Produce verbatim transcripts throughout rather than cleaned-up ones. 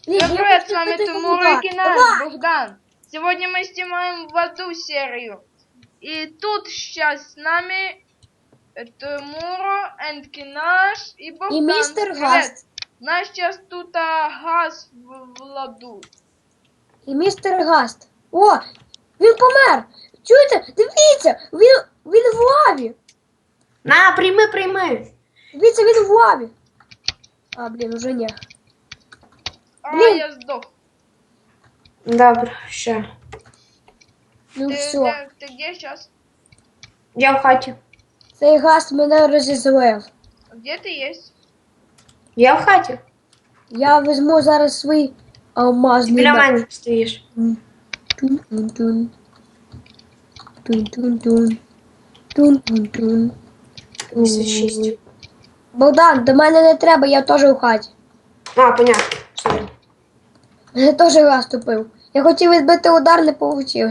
Блин, Всем я привет, просто с вами это Тимур туда. и Кинаш, Богдан. Сегодня мы снимаем в аду серию. И тут сейчас с нами Тимур, and Кинаш и Богдан. И мистер Привет. Гаст. У нас сейчас тут а, газ в, в ладу. І містер Гаст. О, він помер. Чуєте? Дивіться, він, він в лаві. На, прийми, прийми. Дивіться, він в лаві. А, блін, уже ні. А, Блин. я сдох. Добре, ще. Ну Ты, все. где- ты где сейчас? Я в хаті. Цей Гаст мене розізлив. Где ты есть? Я в хаті. Я візьму зараз свій алмазний Біля меч. мене стоїш. Тун-тун-тун. Тун-тун-тун. Тун-тун-тун. місяць шість. Богдан, до мене не треба, я теж у хаті. А, понятно. Сорі. Мене теж Гаст тупив. Я хотів відбити удар, не вийшло.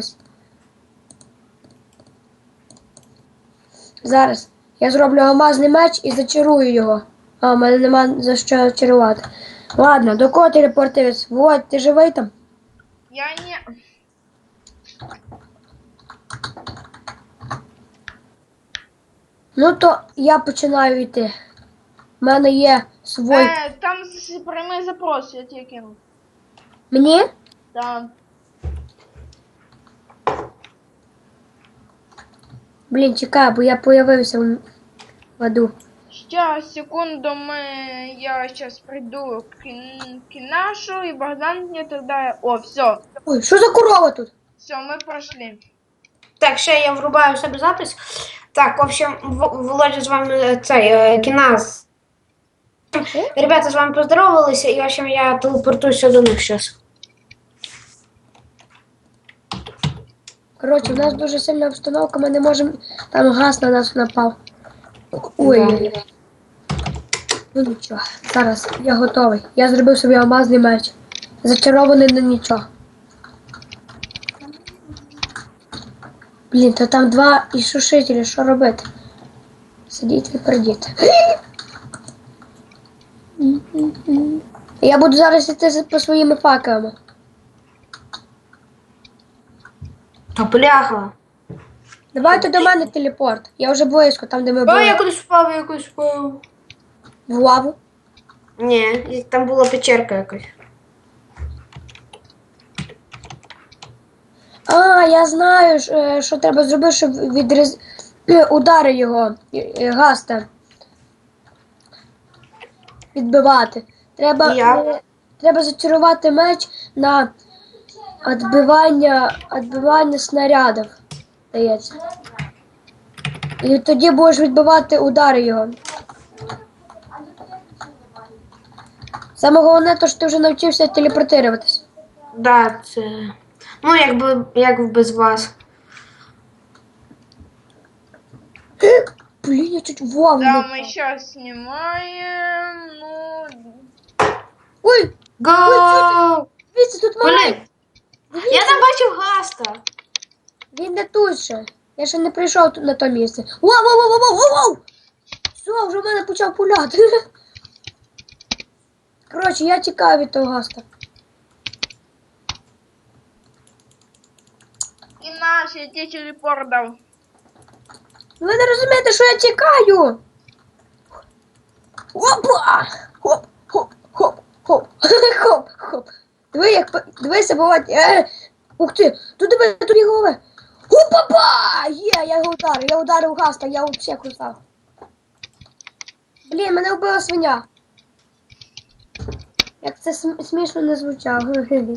Зараз я зроблю алмазний меч і зачарую його. А, в мене нема за що чарувати. Ладно, до кого телепортуєш? Вот, ти живий там? Я не... Ну то я починаю йти. У мене є свій. Э, там с- прямой запрос, я тебе кину. Мені? Да. Блін, чекай, бо я появився в в аду. Сейчас, секунду, мы... Я сейчас приду к, Кин- Кинашу, и Богдан мне тогда... О, все, Ой, що за корова тут? все, мы прошли. Так, ще я врубаю в себе запис. Так, в общем, В- Володя з вами цей е, Кінас. Ребята з вами поздоровалися, і в общем я телепортуюся до них зараз. Коротше, в нас дуже сильна обстановка, ми не можемо. Там газ на нас напав. Ой. Ну нічого. Зараз я готовий. Я зробив собі алмазний меч. Зачарований на нічого. Блін, то там два ішушителі, що робити? Сидіть і пердіть. Я буду зараз йти по своїми факелами. Та бляха. Давайте до мене телепорт. Я вже близько, там де ми О, були. я кудись впав, я кудись впав. В лаву. Ні, і там була печерка якась. А, я знаю, ж, е, що треба зробити, щоб відріз... е, удари його, е, е, Гаста. Відбивати. Треба, Як? е, треба зачарувати меч на відбивання, відбивання снарядів, здається. І тоді будеш відбивати удари його. Саме головне, то, що ти вже навчився телепортуватись. Да, це. Ну, якби як без вас. Блін, я чуть в лаву не Да, впав. мы сейчас снимаем, ну... Ой, Гоу! дивіться, тут Блін, маленький. я там бачив Гаста. Він не тут ще. Я ще не прийшов тут на то місце. Вау, вау, вау, вау, вау, вау! Все, вже в мене почав пуляти. Коротше, я тікаю від того Гаста. Кинаш, я тебе телепорт дал. Ви не розумієте, що я тікаю? Опа! Хоп, хоп, хоп, хоп, хоп, хоп. Диви, як, по- дивися, буває. Е, ух ти, тут диви, тут є голови. Опа-па! Є, я його ударив, я ударив Гаста, я взагалі крутав. Блін, мене вбила свиня. Як це см- смішно не звучало.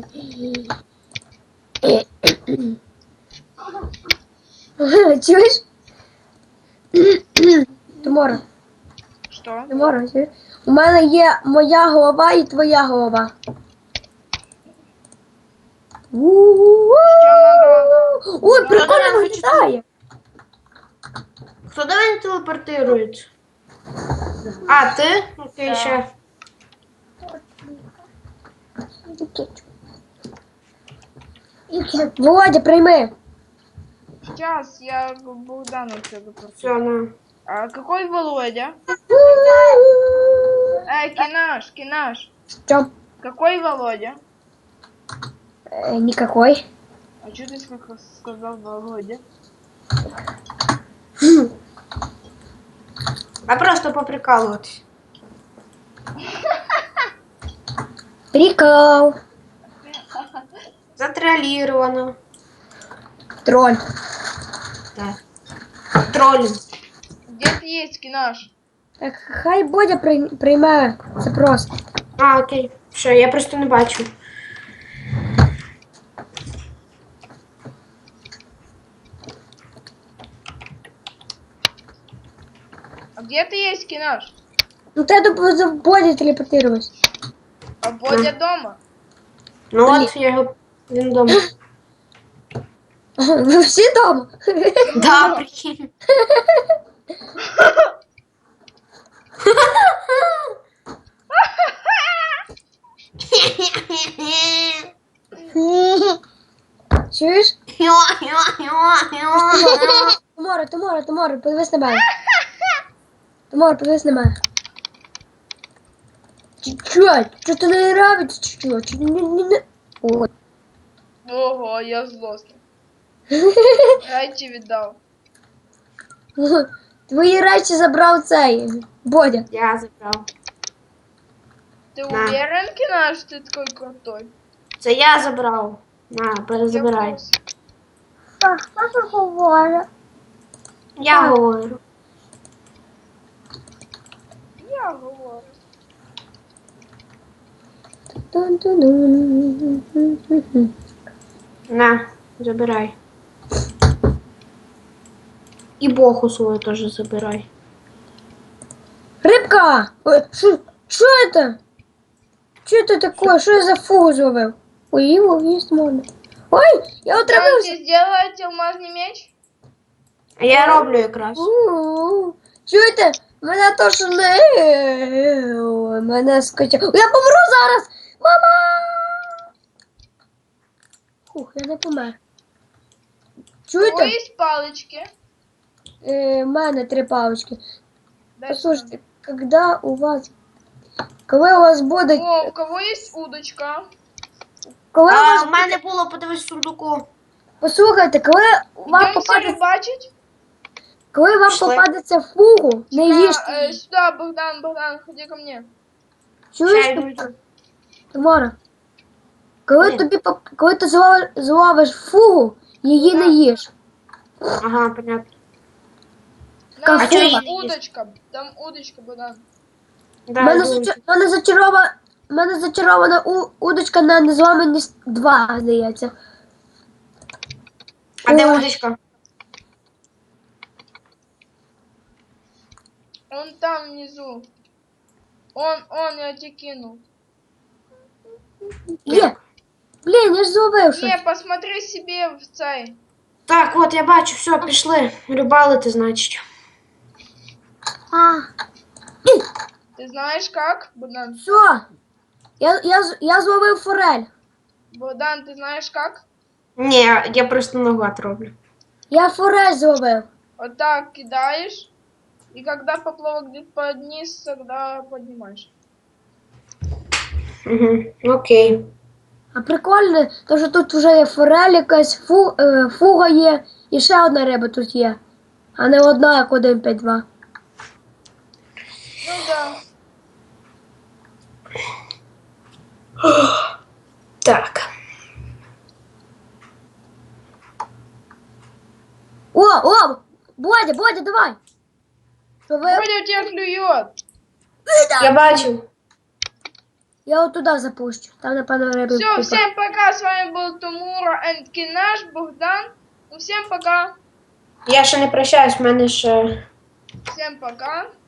Чуєш? Тимура, Что? Тимура, чуєш? У мене є моя голова і твоя голова. У-у-у. Ой, прикольно виглядає. Хто до мене телепортується? А, ти? Окей, Да. ще. Володя, прийми. Сейчас я Богдану тебе просто. Все, на. А какой Володя? Эй, Кинаш, Кинаш. Що? Какой Володя? Э, никакой. А что ты сколько сказал Володя? А просто поприкалываться. Прикол. Затроллировано. Тролль. Да. Троллинг. Где ты есть, Кинаш? Так, хай Бодя при- приймає запрос. А, окей. Що, я просто не бачу. А где ты есть, Кинаш? Ну ты до за Боді телепортировалась. А Бодя дома? Ну от, я його... Він дома. Ви всі дома? Да, прикинь. Чуєш? Тиморе, Тиморе, Тиморе, подивись на мене. Тиморе, подивись на мене. Чуть-чуть, що ти не нравиться, чуть-чуть. Чуть- не- не- не- О. Ого, я злостный. Райчи віддав. Твої речі забрав цей Бодя. Я забрав. Ты На. уверен, Кинаш, что ты такой крутой? Це я забрав. На, Я перезабирай. в курсі. Так, що ти говориш? Я говорю. Я говорю. На, забирай. І боху свою теж забирай. Рыбка! Ой, Что что это? Что это такое? Что я за фугу зловив? Ой, его есть можно. Ой, я Там отравився. тебе сделать алмазный меч? А я роблю якраз. У-у-у. Чуєте? Мене то що не... Ой, мене скачав. Я помру зараз! Мама! Фух, я не помер. У Чуєте? кого есть палочки? Е, в мене три палочки. Дай Послушайте, когда у вас... Коли у вас буде... сюда. О, у кого есть удочка? Коли у А, вас... в мене було, подивись в сундуку. Послухайте, коли вам Идем все попадеться... рыбачить? Коли вам Пішли. попадеться фугу, не На, їжте э, її. сюда, Богдан, Богдан, ходи ко мне. Чуєш, Ще йду, Тим- йду. Тамара? Коли Ні. тобі поп- коли ти зловиш, зловиш фугу, її не Так. їж. Ага, понятно. На, Как там фуга? удочка, там удочка, Богдан. Да, У мене, йду. зача- мене зачарована, мене зачарована у- удочка на незламаність два, здається. А де Ой. удочка? Он там внизу. Он, он, я тебе кинул. Є! Блін, я ж зловив щось. Не, посмотри себе в цей. Так, от я бачу, все, пішли. Рибалити, значить. А, Ты знаешь как, Богдан? все. Я, я, з- я зловив форель. Богдан, ты знаешь как? Ні, я просто наугад роблю. Я форель зловив. Вот так кидаешь. И когда поплавок где-то под низ, тогда поднимаешь. Угу. Окей. А прикольно, то що тут вже є форель якась, фу, е, фуга є, і ще одна риба тут є. А не одна, як один п'ять два. Ну да. Так. О, о! Бодя, Бодя, давай! Що ви? Бодя у тебя клюет. Я бачу. Я от туди запущу. Там, напевно, риби. Все, купа. всем пока. С вами был Тумура and Кинаш, Богдан. Ну, всем пока. Я ще не прощаюсь, в мене ще. Всем пока.